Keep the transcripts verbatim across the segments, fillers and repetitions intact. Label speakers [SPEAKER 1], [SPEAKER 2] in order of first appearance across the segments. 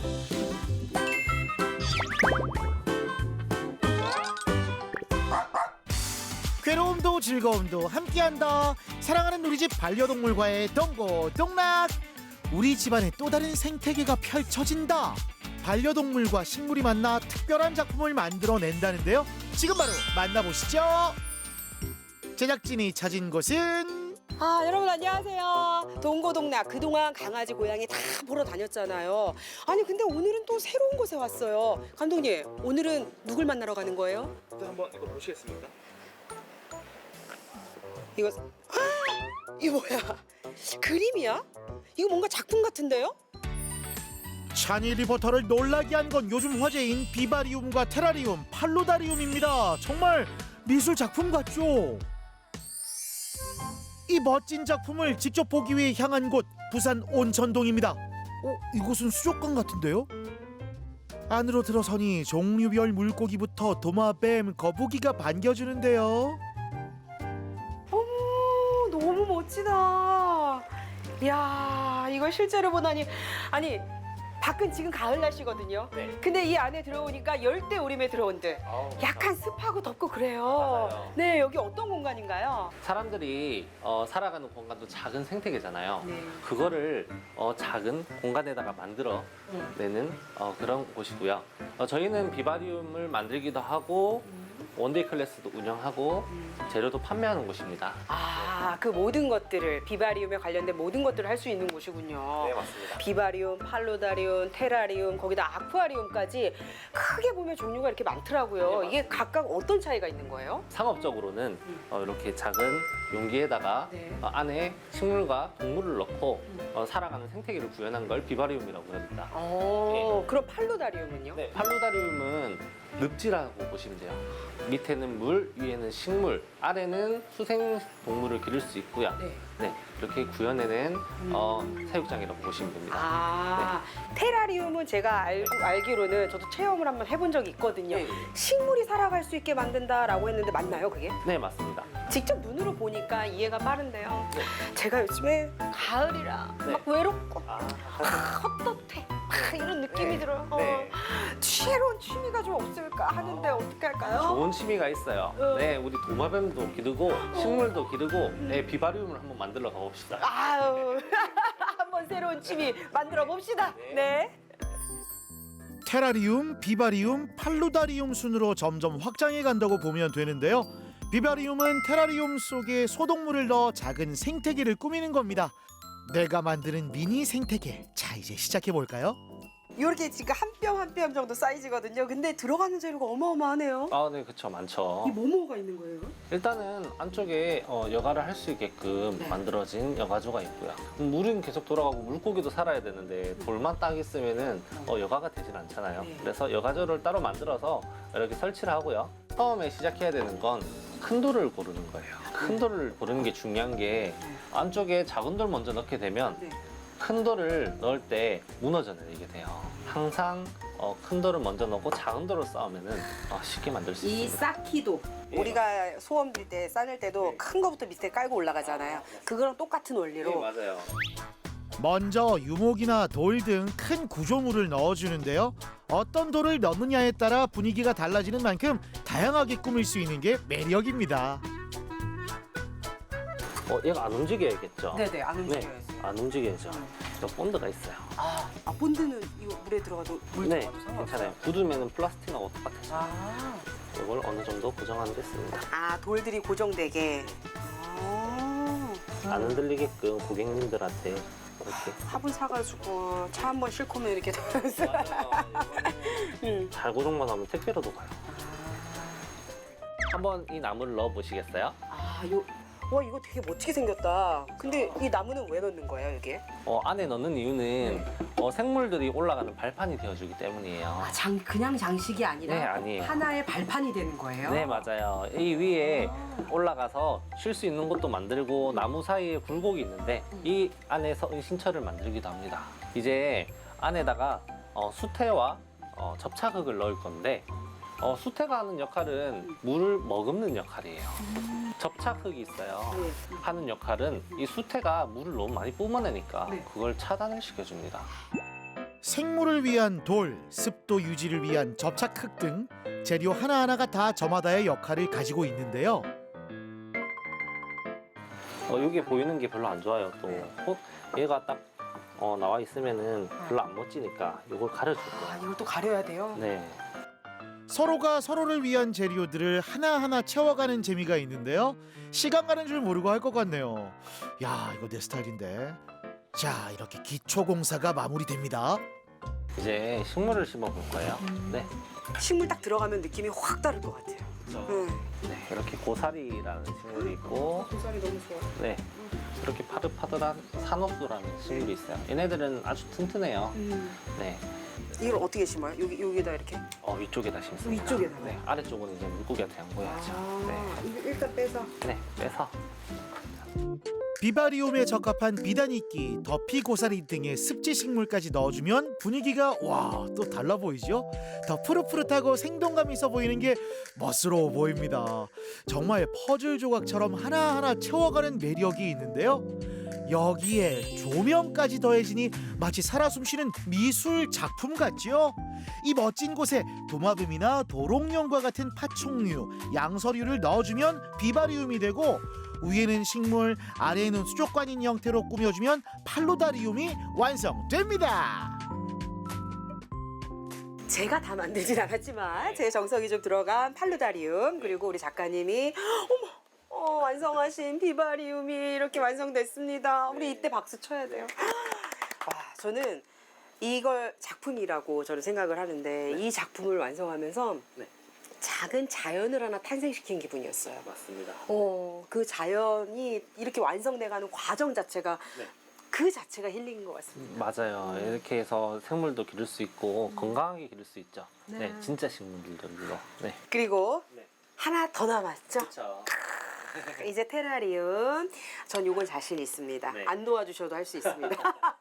[SPEAKER 1] 괴로움도 즐거움도 함께한다. 사랑하는 우리 집 반려동물과의 동고동락. 우리 집안에 또 다른 생태계가 펼쳐진다. 반려동물과 식물이 만나 특별한 작품을 만들어낸다는데요. 지금 바로 만나보시죠. 제작진이 찾은 곳은
[SPEAKER 2] 아, 여러분 안녕하세요. 동고동락 그동안 강아지 고양이 다 보러 다녔잖아요. 아니 근데 오늘은 또 새로운 곳에 왔어요. 감독님, 오늘은 누굴 만나러 가는 거예요?
[SPEAKER 3] 일단 한번 이거 보시겠습니까?
[SPEAKER 2] 이거 아, 이거 뭐야? 그림이야? 이거 뭔가 작품 같은데요?
[SPEAKER 1] 찬이 리포터를 놀라게 한 건 요즘 화제인 비바리움과 테라리움, 팔로다리움입니다. 정말 미술 작품 같죠? 이 멋진 작품을 직접 보기 위해 향한 곳 부산 온천동입니다. 어? 이곳은 수족관 같은데요? 안으로 들어서니 종류별 물고기부터 도마뱀, 거북이가 반겨주는데요.
[SPEAKER 2] 어머, 너무 멋지다. 이야, 이걸 실제로 보다니. 아니, 밖은 지금 가을 날씨거든요.
[SPEAKER 3] 네.
[SPEAKER 2] 근데 이 안에 들어오니까 열대 우림에 들어온 듯
[SPEAKER 3] 아우,
[SPEAKER 2] 약간 습하고 덥고 그래요.
[SPEAKER 3] 맞아요.
[SPEAKER 2] 네, 여기 어떤 공간인가요?
[SPEAKER 3] 사람들이 어, 살아가는 공간도 작은 생태계잖아요.
[SPEAKER 2] 네.
[SPEAKER 3] 그거를 어, 작은 공간에다가 만들어 내는 어, 그런 곳이고요. 어, 저희는 비바리움을 만들기도 하고 원데이 클래스도 운영하고 재료도 판매하는 곳입니다.
[SPEAKER 2] 아, 그 모든 것들을 비바리움에 관련된 모든 것들을 할 수 있는 곳이군요.
[SPEAKER 3] 네, 맞습니다.
[SPEAKER 2] 비바리움, 팔로다리움, 테라리움, 거기다 아쿠아리움까지 크게 보면 종류가 이렇게 많더라고요.
[SPEAKER 3] 네,
[SPEAKER 2] 이게 각각 어떤 차이가 있는 거예요?
[SPEAKER 3] 상업적으로는 어, 이렇게 작은 용기에다가
[SPEAKER 2] 네.
[SPEAKER 3] 어, 안에 식물과 동물을 넣고 어, 살아가는 생태계를 구현한 걸 비바리움이라고 합니다.
[SPEAKER 2] 어, 그럼 팔로다리움은요?
[SPEAKER 3] 네, 팔로다리움은 늪지라고 보시면 돼요. 밑에는 물, 위에는 식물, 아래는 수생 동물을 기를 수 있고요.
[SPEAKER 2] 네.
[SPEAKER 3] 네, 이렇게 구현해낸 어, 사육장이라고 보시면 됩니다.
[SPEAKER 2] 아, 테라리움은 제가 알, 알기로는 저도 체험을 한번 해본 적이 있거든요.
[SPEAKER 3] 네.
[SPEAKER 2] 식물이 살아갈 수 있게 만든다라고 했는데 맞나요, 그게?
[SPEAKER 3] 네, 맞습니다.
[SPEAKER 2] 직접 눈으로 보니까 이해가 빠른데요.
[SPEAKER 3] 네.
[SPEAKER 2] 제가 요즘에 가을이라
[SPEAKER 3] 네.
[SPEAKER 2] 막 외롭고
[SPEAKER 3] 아,
[SPEAKER 2] 헛헛해 막 이런 느낌이
[SPEAKER 3] 네.
[SPEAKER 2] 들어요.
[SPEAKER 3] 네.
[SPEAKER 2] 지혜로운 취미가 좀 없을까 하는데 어떻게 할까요?
[SPEAKER 3] 좋은 취미가 있어요.
[SPEAKER 2] 어.
[SPEAKER 3] 네, 우리 도마뱀도 기르고 식물도 기르고 네, 비바리움을 한번 만들어 가봅시다.
[SPEAKER 2] 아유, 한번 새로운 취미 만들어 봅시다. 네.
[SPEAKER 1] 테라리움, 비바리움, 팔로다리움 순으로 점점 확장해 간다고 보면 되는데요. 비바리움은 테라리움 속에 소동물을 넣어 작은 생태계를 꾸미는 겁니다. 내가 만드는 미니 생태계. 자, 이제 시작해 볼까요?
[SPEAKER 2] 이렇게 지금 한 뼘 한 뼘 정도 사이즈거든요. 근데 들어가는 재료가 어마어마하네요.
[SPEAKER 3] 아, 네, 그쵸, 많죠.
[SPEAKER 2] 이 뭐뭐가 있는 거예요?
[SPEAKER 3] 일단은 안쪽에 어, 여가를 할 수 있게끔
[SPEAKER 2] 네.
[SPEAKER 3] 만들어진 여가조가 있고요. 물은 계속 돌아가고 물고기도 살아야 되는데 돌만 딱 있으면은 어, 여가가 되진 않잖아요.
[SPEAKER 2] 네.
[SPEAKER 3] 그래서 여가조를 따로 만들어서 이렇게 설치를 하고요. 처음에 시작해야 되는 건 큰 돌을 고르는 거예요. 큰 돌을 고르는 게 중요한 게 안쪽에 작은 돌 먼저 넣게 되면
[SPEAKER 2] 네.
[SPEAKER 3] 큰 돌을 넣을 때 무너져 내리게 돼요. 항상 어, 큰 돌을 먼저 넣고 작은 돌을 쌓으면은 어, 쉽게 만들 수
[SPEAKER 2] 이
[SPEAKER 3] 있습니다.
[SPEAKER 2] 쌓기도
[SPEAKER 3] 예,
[SPEAKER 2] 우리가 소원 빌 때 싸낼 때도
[SPEAKER 3] 네.
[SPEAKER 2] 큰 거부터 밑에 깔고 올라가잖아요. 그거랑 똑같은 원리로.
[SPEAKER 3] 네, 맞아요.
[SPEAKER 1] 먼저 유목이나 돌 등 큰 구조물을 넣어주는데요. 어떤 돌을 넣느냐에 따라 분위기가 달라지는 만큼 다양하게 꾸밀 수 있는 게 매력입니다.
[SPEAKER 3] 어, 얘가 안 움직여야겠죠?
[SPEAKER 2] 네네, 안
[SPEAKER 3] 네,
[SPEAKER 2] 움직여야지.
[SPEAKER 3] 안 움직여야죠. 저 본드가 있어요.
[SPEAKER 2] 아, 아, 본드는 이거 물에 들어가도 물
[SPEAKER 3] 네,
[SPEAKER 2] 들어가도 상관없어요?
[SPEAKER 3] 괜찮아요. 굳으면 플라스틱하고 똑같아요.
[SPEAKER 2] 아,
[SPEAKER 3] 이걸 어느 정도 고정하는 데 씁니다.
[SPEAKER 2] 아 돌들이 고정되게. 아,
[SPEAKER 3] 안 흔들리게끔 고객님들한테 이렇게.
[SPEAKER 2] 화분 사가지고 차 한 번 싣고 오면 이렇게 되면서. 음.
[SPEAKER 3] 잘 고정만 하면 택배로도 가요. 한번 이 나무를 넣어 보시겠어요?
[SPEAKER 2] 아, 요, 와 이거 되게 멋지게 생겼다. 근데 이 나무는 왜 넣는 거예요, 이게?
[SPEAKER 3] 어, 안에 넣는 이유는 어, 생물들이 올라가는 발판이 되어주기 때문이에요.
[SPEAKER 2] 아, 장 그냥 장식이 아니라
[SPEAKER 3] 네, 아니에요.
[SPEAKER 2] 하나의 발판이 되는 거예요.
[SPEAKER 3] 네, 맞아요. 이 위에 올라가서 쉴 수 있는 곳도 만들고 나무 사이에 굴곡이 있는데 이 안에서 은신처를 만들기도 합니다. 이제 안에다가 어, 수태와 어, 접착흙을 넣을 건데 어, 수태가 하는 역할은 물을 머금는 역할이에요. 접착흙이 있어요.
[SPEAKER 2] 네.
[SPEAKER 3] 하는 역할은 이 수태가 물을 너무 많이 뿜어내니까
[SPEAKER 2] 네.
[SPEAKER 3] 그걸 차단을 시켜줍니다.
[SPEAKER 1] 생물을 위한 돌, 습도 유지를 위한 접착흙 등 재료 하나하나가 다 저마다의 역할을 가지고 있는데요.
[SPEAKER 3] 어, 여기 보이는 게 별로 안 좋아요. 또 어? 얘가 딱 어, 나와 있으면은 별로 안 멋지니까 이걸 가려줄
[SPEAKER 2] 아,
[SPEAKER 3] 거예요.
[SPEAKER 2] 이걸 또 가려야 돼요?
[SPEAKER 3] 네.
[SPEAKER 1] 서로가 서로를 위한 재료들을 하나하나 채워가는 재미가 있는데요. 시간 가는 줄 모르고 할 것 같네요. 야, 이거 내 스타일인데. 자, 이렇게 기초 공사가 마무리됩니다.
[SPEAKER 3] 이제 식물을 심어 볼 거예요. 네.
[SPEAKER 2] 식물 딱 들어가면 느낌이 확 다를 것 같아요. 응.
[SPEAKER 3] 네. 이렇게 고사리라는 식물이 있고,
[SPEAKER 2] 고사리 너무 좋아.
[SPEAKER 3] 네. 이렇게 파릇파릇한 산옥수라는 식물이 있어요. 얘네들은 아주 튼튼해요.
[SPEAKER 2] 음.
[SPEAKER 3] 네.
[SPEAKER 2] 이걸 어떻게 심어요? 여기 여기다 이렇게?
[SPEAKER 3] 어, 위쪽에다 심습니다.
[SPEAKER 2] 위쪽에다가요?
[SPEAKER 3] 네. 아래쪽은 이제 물고기한테 안 보여야죠.
[SPEAKER 2] 아,
[SPEAKER 3] 네.
[SPEAKER 2] 이거 일단 빼서.
[SPEAKER 3] 네. 빼서.
[SPEAKER 1] 비바리움에 적합한 비단이끼, 더피 고사리 등의 습지 식물까지 넣어주면 분위기가 와, 또 달라 보이죠? 더 푸릇푸릇하고 생동감 있어 보이는 게 멋스러워 보입니다. 정말 퍼즐 조각처럼 하나하나 채워가는 매력이 있는데요. 여기에 조명까지 더해지니 마치 살아 숨쉬는 미술 작품 같지요? 이 멋진 곳에 도마뱀이나 도롱뇽과 같은 파충류, 양서류를 넣어주면 비바리움이 되고, 위에는 식물, 아래에는 수족관인 형태로 꾸며주면 팔로다리움이 완성됩니다.
[SPEAKER 2] 제가 다 만들진 않았지만 제 정성이 좀 들어간 팔루다리움, 그리고 우리 작가님이 어머 어, 완성하신 비바리움이 이렇게 완성됐습니다. 우리 이때 박수 쳐야 돼요. 와, 저는 이걸 작품이라고 저는 생각을 하는데 이 작품을 완성하면서
[SPEAKER 3] 네.
[SPEAKER 2] 작은 자연을 하나 탄생시킨 기분이었어요.
[SPEAKER 3] 맞습니다.
[SPEAKER 2] 어, 그 자연이 이렇게 완성돼가는 과정 자체가
[SPEAKER 3] 네.
[SPEAKER 2] 그 자체가 힐링인 것 같습니다.
[SPEAKER 3] 맞아요. 이렇게 해서 생물도 기를 수 있고 건강하게 기를 수 있죠.
[SPEAKER 2] 네.
[SPEAKER 3] 네, 진짜 식물들로. 네.
[SPEAKER 2] 그리고
[SPEAKER 3] 네.
[SPEAKER 2] 하나 더 남았죠?
[SPEAKER 3] 그렇죠.
[SPEAKER 2] 이제 테라리움. 전 요건 자신 있습니다.
[SPEAKER 3] 네.
[SPEAKER 2] 안 도와주셔도 할 수 있습니다.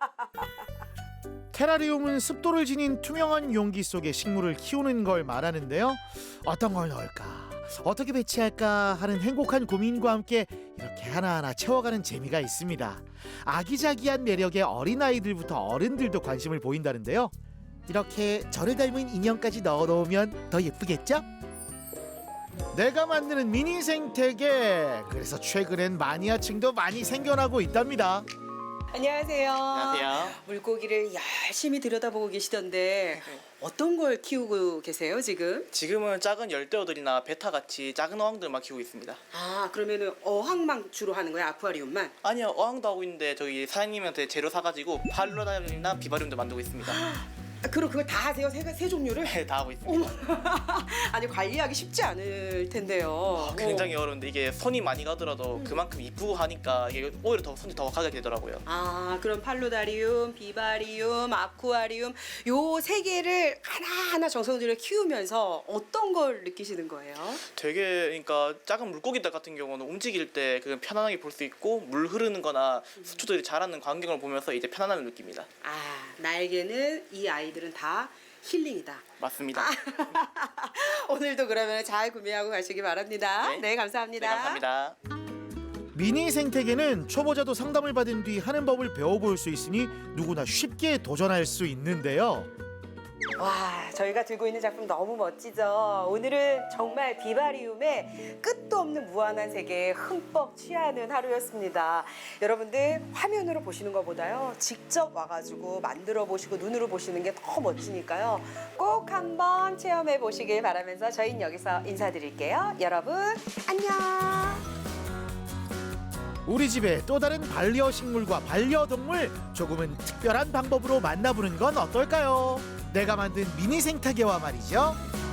[SPEAKER 1] 테라리움은 습도를 지닌 투명한 용기 속에 식물을 키우는 걸 말하는데요. 어떤 걸 넣을까, 어떻게 배치할까 하는 행복한 고민과 함께 이렇게 하나하나 채워가는 재미가 있습니다. 아기자기한 매력에 어린아이들부터 어른들도 관심을 보인다는데요. 이렇게 저를 닮은 인형까지 넣어놓으면 더 예쁘겠죠? 내가 만드는 미니 생태계, 그래서 최근엔 마니아층도 많이 생겨나고 있답니다.
[SPEAKER 2] 안녕하세요.
[SPEAKER 4] 안녕하세요.
[SPEAKER 2] 물고기를 열심히 들여다보고 계시던데 어떤 걸 키우고 계세요 지금?
[SPEAKER 4] 지금은 작은 열대어들이나 베타같이 작은 어항들만 키우고 있습니다.
[SPEAKER 2] 아, 그러면은 어항만 주로 하는 거예요? 아쿠아리움만?
[SPEAKER 4] 아니요, 어항도 하고 있는데 저기 사장님한테 재료 사가지고 팔로다리움이나 비바리움도 만들고 있습니다.
[SPEAKER 2] 아, 그럼 그걸 다 하세요? 세, 세 종류를?
[SPEAKER 4] 네, 다 하고 있습니다.
[SPEAKER 2] 아니, 관리하기 쉽지 않을 텐데요.
[SPEAKER 4] 아, 굉장히 어려운데 이게 손이 많이 가더라도 그만큼 이쁘고 하니까 이게 오히려 더 손이 더 가게 되더라고요.
[SPEAKER 2] 아, 그럼 팔로다리움, 비바리움, 아쿠아리움 요 세 개를 하나하나 정성을 들여 키우면서 어떤 걸 느끼시는 거예요?
[SPEAKER 4] 되게 그러니까 작은 물고기들 같은 경우는 움직일 때 그냥 편안하게 볼 수 있고 물 흐르는 거나 수초들이 자라는 광경을 보면서 이제 편안함을 느낍니다.
[SPEAKER 2] 아, 나에게는 이 아이들은 다 힐링이다.
[SPEAKER 4] 맞습니다.
[SPEAKER 2] 오늘도 그러면 잘 구매하고 가시기 바랍니다. 네,
[SPEAKER 4] 네.
[SPEAKER 2] 감사합니다.
[SPEAKER 4] 네, 감사합니다.
[SPEAKER 1] 미니 생태계는 초보자도 상담을 받은 뒤 하는 법을 배워볼 수 있으니 누구나 쉽게 도전할 수 있는데요.
[SPEAKER 2] 와, 저희가 들고 있는 작품 너무 멋지죠? 오늘은 정말 비바리움의 끝도 없는 무한한 세계에 흠뻑 취하는 하루였습니다. 여러분들 화면으로 보시는 것보다요, 직접 와가지고 만들어 보시고 눈으로 보시는 게 더 멋지니까요. 꼭 한번 체험해 보시길 바라면서 저희는 여기서 인사드릴게요. 여러분, 안녕!
[SPEAKER 1] 우리 집에 또 다른 반려식물과 반려동물, 조금은 특별한 방법으로 만나보는 건 어떨까요? 내가 만든 미니 생태계와 말이죠.